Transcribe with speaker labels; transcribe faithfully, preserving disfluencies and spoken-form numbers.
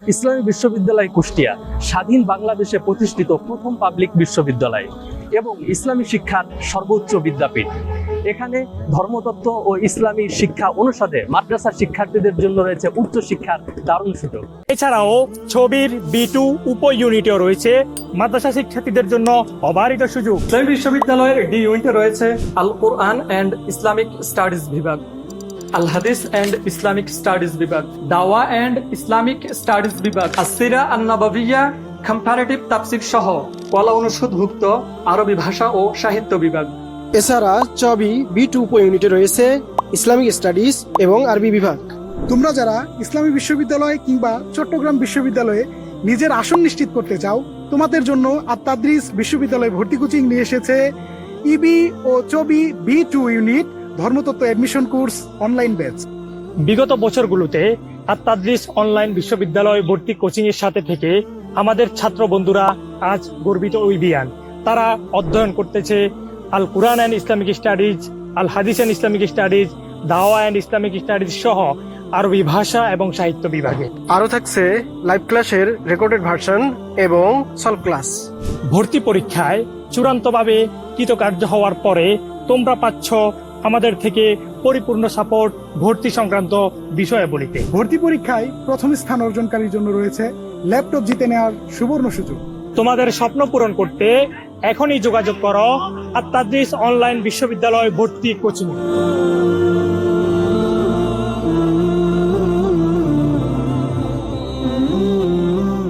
Speaker 1: ইসলামী বিশ্ববিদ্যালয় কুষ্টিয়া স্বাধীন বাংলাদেশে প্রতিষ্ঠিত প্রথম পাবলিক বিশ্ববিদ্যালয় এবং ইসলামী শিক্ষার সর্বোচ্চ বিদ্যাপীঠ। এখানে ধর্মতত্ত্ব ও ইসলামী শিক্ষা অনুষদে মাদ্রাসা শিক্ষার্থীদের জন্য রয়েছে উচ্চ শিক্ষার দারুণ সুযোগ।
Speaker 2: এছাড়াও ছবির বি টু উপ ইউনিটেও রয়েছে মাদ্রাসা শিক্ষার্থীদের জন্য অবারিত সুযোগ।
Speaker 3: ইসলামী বিশ্ববিদ্যালয়ের ডি ইউনিটে রয়েছে আল কোরআন অ্যান্ড ইসলামিক স্টাডিজ বিভাগ, আল হাদিস অ্যান্ড ইসলামিক স্টাডিজ বিভাগ, দাওয়া অ্যান্ড ইসলামিক স্টাডিজ বিভাগ, আসিরা আন নববিয়া, কম্পারেটিভ তাফসীর সহ কলা অনুষদভুক্ত আরবি ভাষা ও সাহিত্য বিভাগ।
Speaker 4: এছাড়া চবি বি টু উপ ইউনিটে রয়েছে ইসলামিক স্টাডিজ এবং আরবি বিভাগ।
Speaker 5: তোমরা যারা ইসলামী বিশ্ববিদ্যালয় কিংবা চট্টগ্রাম বিশ্ববিদ্যালয়ে নিজের আসন নিশ্চিত করতে চাও, তোমাদের জন্য আত-তাদরিস বিশ্ববিদ্যালয় ভর্তি কোচিং নিয়ে এসেছে ইবি ও চবি বি টু ইউনিট ধর্মতত্ত্ব এডমিশন কোর্স অনলাইন ব্যাচ।
Speaker 2: বিগত বছরগুলোতে আত-তাদরিস অনলাইন বিশ্ববিদ্যালয় ভর্তি কোচিং এর সাথে থেকে আমাদের ছাত্র বন্ধুরা আজ গর্বিত উইবিয়ান। তারা অধ্যয়ন করতেছে আল কুরআন অ্যান্ড ইসলামিক স্টাডিজ, আল হাদিস অ্যান্ড ইসলামিক স্টাডিজ, দাওয়া অ্যান্ড ইসলামিক স্টাডিজ সহ আরবি ভাষা এবং সাহিত্য বিভাগে।
Speaker 4: আরও থাকছে লাইভ ক্লাসের রেকর্ডেড ভার্সন এবং সলভ ক্লাস।
Speaker 2: ভর্তি পরীক্ষায় চূড়ান্তভাবে কৃতকার্য হওয়ার পরে তোমরা পাচ্ছ আমাদের থেকে পরিপূর্ণ সাপোর্ট ভর্তি সংক্রান্ত বিষয়াবলিতে।
Speaker 5: ভর্তি পরীক্ষায় প্রথম স্থান অর্জনকারীর জন্য রয়েছে ল্যাপটপ জিতে নেওয়ার সুবর্ণ সুযোগ।
Speaker 2: তোমাদের স্বপ্ন পূরণ করতে এখনই যোগাযোগ করো আত-তাদরিস অনলাইন বিশ্ববিদ্যালয় ভর্তি কোচিং।